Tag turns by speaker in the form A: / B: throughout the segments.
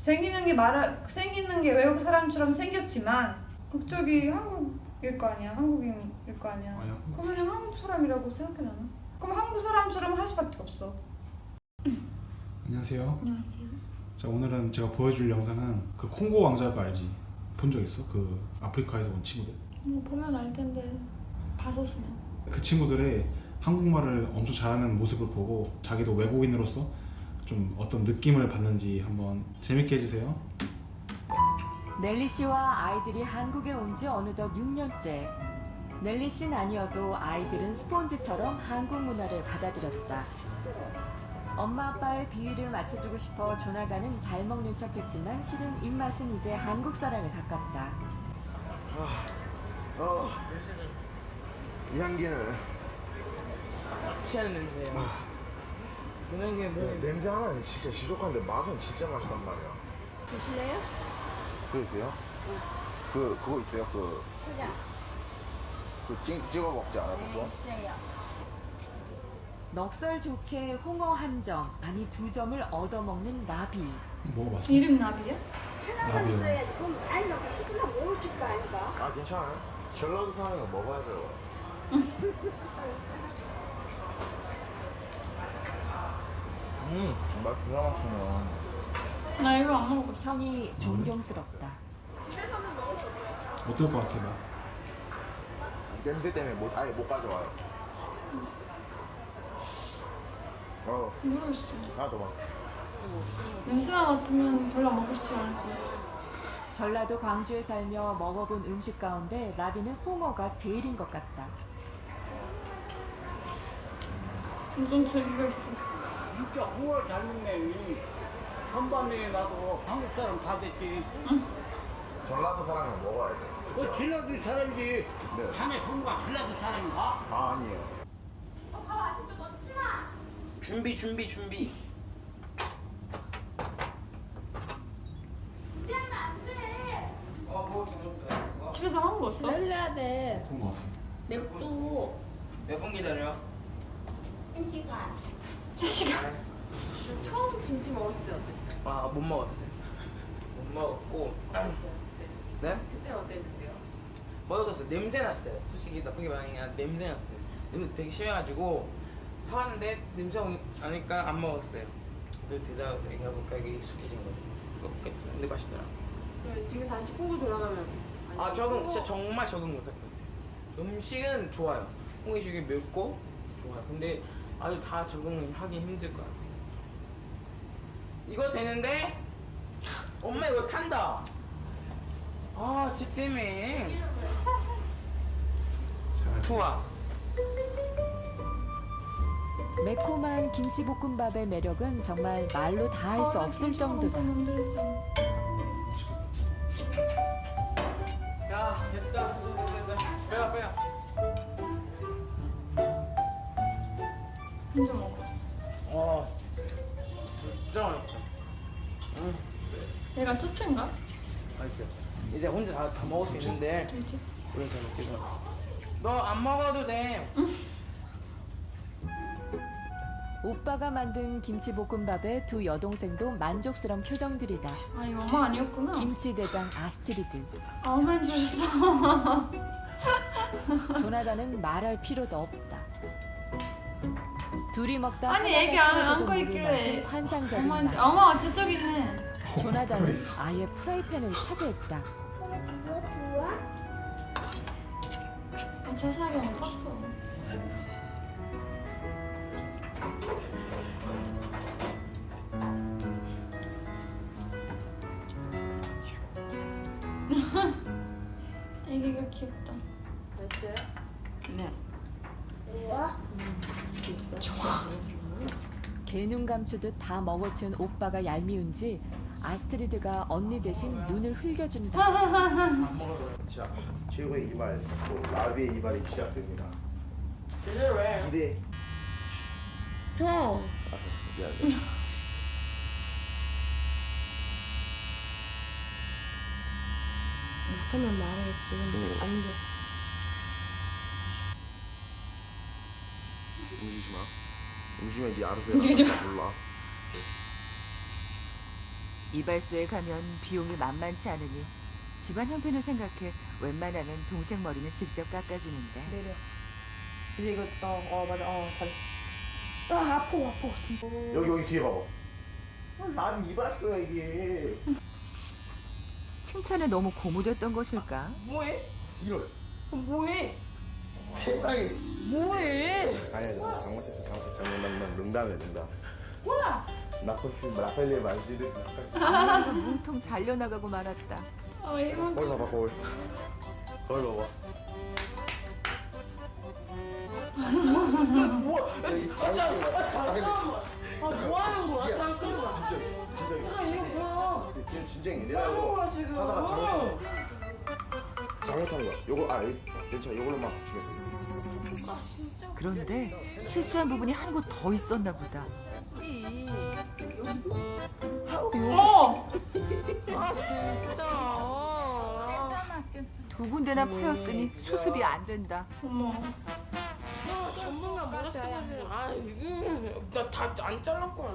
A: 생기는 게 외국 사람처럼 생겼지만 국적이 한국일 거 아니야. 한국인일 거 아니야. 그러면 한국 사람이라고 생각해 나는. 그럼 한국 사람처럼 할 수밖에 없어.
B: 안녕하세요.
C: 안녕하세요.
B: 자, 오늘은 제가 보여줄 영상은 그 콩고 왕자가 알지? 본 적 있어? 그 아프리카에서 온 친구들.
C: 뭐 보면 알 텐데 봤었으면.
B: 그 친구들의 한국말을 엄청 잘하는 모습을 보고 자기도 외국인으로서 좀 어떤 느낌을 받는지 한번 재밌게 해주세요.
D: 넬리 씨와 아이들이 한국에 온 지 어느덧 6년째. 넬리 씨는 아니어도 아이들은 스폰지처럼 한국 문화를 받아들였다. 엄마 아빠의 비위를 맞춰주고 싶어 조나단은 잘 먹는 척했지만 실은 입맛은 이제 한국 사람에 가깝다.
E: 이 향기는
F: 취하는 냄새예요. 그런 게 뭐?
E: 냄새 하나는 진짜 지독한데 맛은 진짜 맛있단 말이야.
C: 드실래요?
E: 그러세요? 그거 있어요? 찍어 먹지 않아 그거?
C: 있어요.
D: 넉살 좋게 홍어 한 점, 아니 2점을 얻어먹는 나비.
B: 먹어봤어?
A: 이름 나비야?
B: 라비오.
E: 아 괜찮아요. 전라도 사람은 먹어야 돼요. 맛 기가 막히네.
A: 나 이거 안 먹어봤어.
D: 형이 존경스럽다.
B: 어떨 것 같아 나?
E: 냄새 때문에 아예 못 가져와요.
A: 모르겠어.
E: 하나도 막.
A: 냄새만 맡으면 별로 안 먹고 싶지 않을 것 같아.
D: 전라도 광주에 살며 먹어본 음식 가운데 라비는 홍어가 제일인 것 같다.
A: 엄청 즐기고 있어.
F: 진짜 홍어를 잘 먹네. 한밤에 나도 한국 사람 다 됐지.
E: 전라도 사람은 먹어야 돼.
F: 그 전라도 사람이지.
E: 네.
F: 자네 형과 전라도 사람인가?
E: 아 아니에요.
F: 준비.
A: 집에서 한 거 먹었어?
C: 기다려야 돼.
B: 그런 것 같아.
C: 냅둬.
F: 몇 분 기다려?
C: 1시간.
G: 처음 김치 먹었을 때 어땠어요?
F: 아, 못 먹었어요. 못 먹었고. 네?
G: 그때 어땠는데요?
F: 먹었었어요. 냄새 났어요. 솔직히 나쁘게 말하는 게 아니라 냄새 났어요. 냄새 되게 심해가지고 사왔는데 냄새 나니까 안 먹었어요. 늘 대답해서 얘기해볼까 이게 익숙해진 거죠. 그렇겠어. 근데 맛있더라.
G: 지금 다시 콩고 돌아가면
F: 아 적응 진짜 정말 적응 못할 것 같아요. 음식은 좋아요. 홍기식이 맵고 좋아요. 근데 아주 다 적응을 하기 힘들 것 같아요. 이거 되는데? 엄마 이거 탄다. 아, 쟤 때문에. 좋아.
D: 매콤한 김치볶음밥의 매력은 정말 말로 다 할 수 없을 정도다.
F: 야, 됐다. 빼야.
A: 혼자 먹어.
F: 진짜 맛있어.
A: 얘가 첫째인가?
F: 맛있어. 이제 혼자 다 먹을 수 있는데.
A: 둘째?
F: 우리 잘 먹겠어. 너 안 먹어도 돼.
D: 오빠가 만든 김치볶음밥에 두 여동생도 만족스러운 표정들이다.
A: 아 이거 엄마 아니었구나.
D: 김치 대장 아스트리드.
A: 아 엄마인 줄 알았어.
D: 조나단은 말할 필요도 없다. 둘이 먹다
A: 아니,
D: 하나가
A: 애기 안
D: 쓰러져도
A: 안고
D: 모를
A: 있길래
D: 만큼 환상적인
A: 엄마인지.
D: 맛.
A: 어머 저쪽 있네.
D: 조나단은 아예 프라이팬을 차지했다.
A: 아 자세하게 못 봤어. 애기가 귀엽다.
G: 맛있어요?
A: 네.
D: 개눈 감추듯 다 먹어치운 오빠가 얄미운지 아스트리드가 언니 대신 눈을 흘겨준다.
E: 자, 최고의 이발, 또 라비의 이발이 시작됩니다.
F: 제대로 해.
E: 기대.
C: 형.
E: 미안해.
C: 하면 말하겠지. 안 돼.
E: 움직이지 마. 움직이면 네 알아서 해.
A: 움직이지 마.
E: 몰라.
H: 이발소에 가면 비용이 만만치 않으니 집안 형편을 생각해 웬만하면 동생 머리는 직접 깎아주는데
C: 내려. 이제 이거 맞아. 잘했어. 아파 진짜.
E: 여기 뒤에 봐봐. 난 이발소야 이게.
H: 칭찬에 너무 고무됐던 것일까?
F: 뭐해?
E: 이럴.
F: 뭐해?
E: 세상에.
F: 뭐해?
E: 아니야 잘못했어. 난 농담이야 농담.
F: 뭐야?
E: 나팔리 만지를.
H: 그래서 문통 잘려나가고 말았다.
E: 거울 봐봐 거울. 거울 봐봐.
G: 잠깐만. 뭐 하는 거야? 잠깐만.
E: 진짜
G: 이거 뭐야?
E: 지금 진정해.
G: 뭐
E: 내가
G: 하는
E: 이거
G: 거야 지금?
E: 하다가 잘못한 거야. 요거 괜찮아. 요걸로만 주면 돼.
H: 그런데 실수한 부분이 한 곳 더 있었나 보다.
F: 아 진짜.
H: 두 군데나 파였으니 수습이 안 된다.
F: 전문가 뭐라 써가지고. 나다 안 잘랐 거야.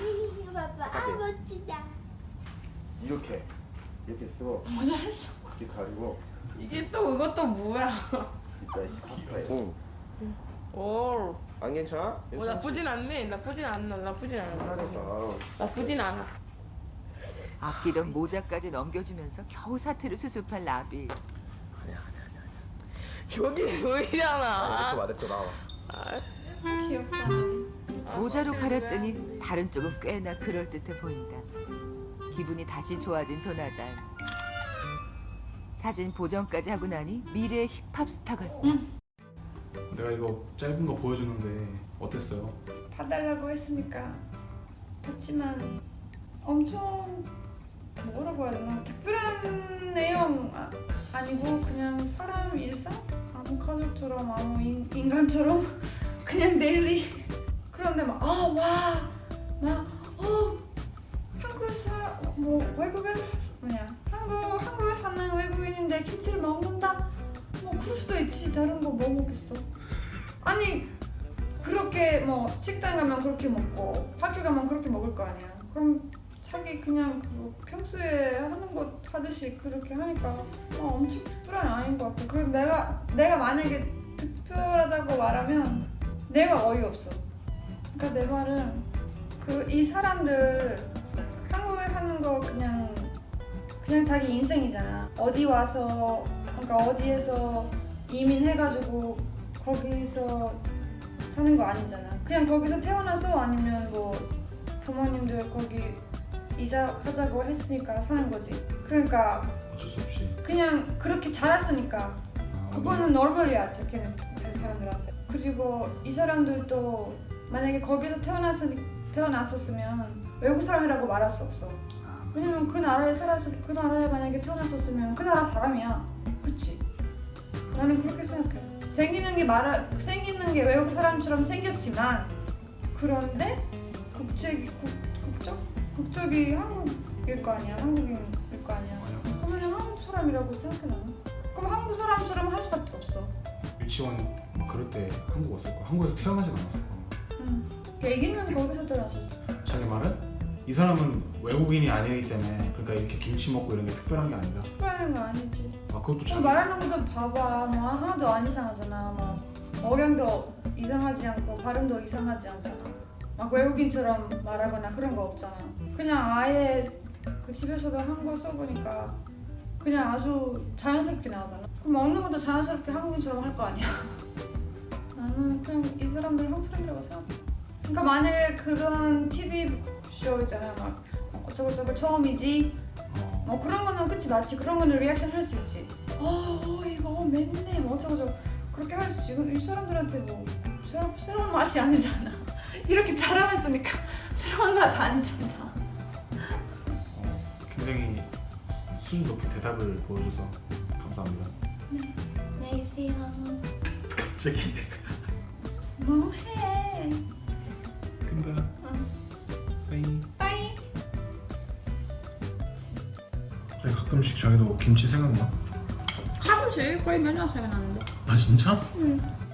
E: 이렇게 쓰고.
A: 잘했어.
E: 이렇게 가리고.
G: 이게 또 이것도 뭐야?
E: 이따 비슷해.
F: 오.
E: 안 괜찮아?
F: 나쁘진 않네. 나쁘진 않아. 나쁘진 않아.
H: 아끼던 모자까지 넘겨주면서 겨우 사태를 수습한 라비.
F: 여기 보이잖아.
E: 이렇게 말했죠 나와.
A: 귀엽다.
H: 모자로 가렸더니 다른 쪽은 꽤나 그럴듯해 보인다. 기분이 다시 좋아진 조나단. 사진 보정까지 하고 나니 미래의 힙합 스타 같다.
B: 내가 이거 짧은 거 보여주는데 어땠어요?
A: 봐달라고 했으니까 봤지만 엄청 뭐라고 해야 되나 특별한 내용 아니고 그냥 사람 일상? 아무 가족처럼 아무 인간처럼 그냥 데일리 그런데 한국 외국인 한국에 사는 외국인인데 김치를 먹는다? 뭐 그럴 수도 있지. 다른 거 뭐 먹겠어? 아니 그렇게 뭐 식당 가면 그렇게 먹고 학교 가면 그렇게 먹을 거 아니야. 그럼 자기 그냥 그 평소에 하는 것 하듯이 그렇게 하니까 엄청 특별한 아닌 것 같고. 그리고 내가 만약에 특별하다고 말하면 내가 어이없어. 그러니까 내 말은 이 사람들 한국에 하는 거 그냥 자기 인생이잖아. 어디 와서 그러니까 어디에서 이민해가지고 거기서 사는 거 아니잖아. 그냥 거기서 태어나서 아니면 뭐 부모님들 거기 이사 가자고 했으니까 사는 거지. 그러니까
B: 어쩔 수 없이.
A: 그냥 그렇게 자랐으니까 그거는 노멀이야. 그 사람들한테. 그리고 이 사람들도 만약에 거기서 태어났었으면 외국 사람이라고 말할 수 없어. 왜냐면 그 나라에 살아서 그 나라에 만약에 태어났었으면 그 나라 사람이야. 그치? 나는 그렇게 생각해. 생기는 게 외국 사람처럼 생겼지만 그런데 국적이 한국일 거 아니야. 한국인일 거 아니야. 그러면 한국 사람이라고 생각해 나는. 그럼 한국 사람처럼 할 수밖에 없어.
B: 유치원 막 그럴 때 한국 왔을 거. 한국에서 태어나진 않았을 거.
A: 애기는 거기서 태어났었어.
B: 자기 말은 이 사람은 외국인이 아니기 때문에 그러니까 이렇게 김치 먹고 이런 게 특별한 게 아니다.
A: 특별한 거 아니지.
B: 그것도 자기
A: 말하는 것도 봐봐. 뭐 하나도 안 이상하잖아. 뭐 억양도 이상하지 않고 발음도 이상하지 않잖아. 막 외국인처럼 말하거나 그런 거 없잖아. 그냥 아예 그 집에서도 한국어 써보니까 그냥 아주 자연스럽게 나오잖아. 그럼 먹는 것도 자연스럽게 한국인처럼 할 거 아니야. 나는 그냥 이 사람들 한국 사람이라고 생각해. 그러니까 만약에 그런 TV 쇼 있잖아. 막 어쩌고저쩌고 처음이지. 뭐 그런 거는 그치 맞지. 그런 거는 리액션 할 수 있지. 이거 맵네. 뭐 어쩌고저쩌고 그렇게 할 수 있지. 이 사람들한테 뭐 새로운 맛이 아니잖아. 이렇게 자라났으니까 새로운 맛 아니잖아.
B: 굉장히 수준 높은 대답을 보여줘서 감사합니다.
A: 안녕히 계세요.
B: 갑자기
A: 뭐해?
B: 근데 빠이.
A: 빠이.
B: 가끔씩 자기도 김치 생각나?
A: 가끔씩 거의 맨날 생각나는데.
B: 아 진짜?
A: 응.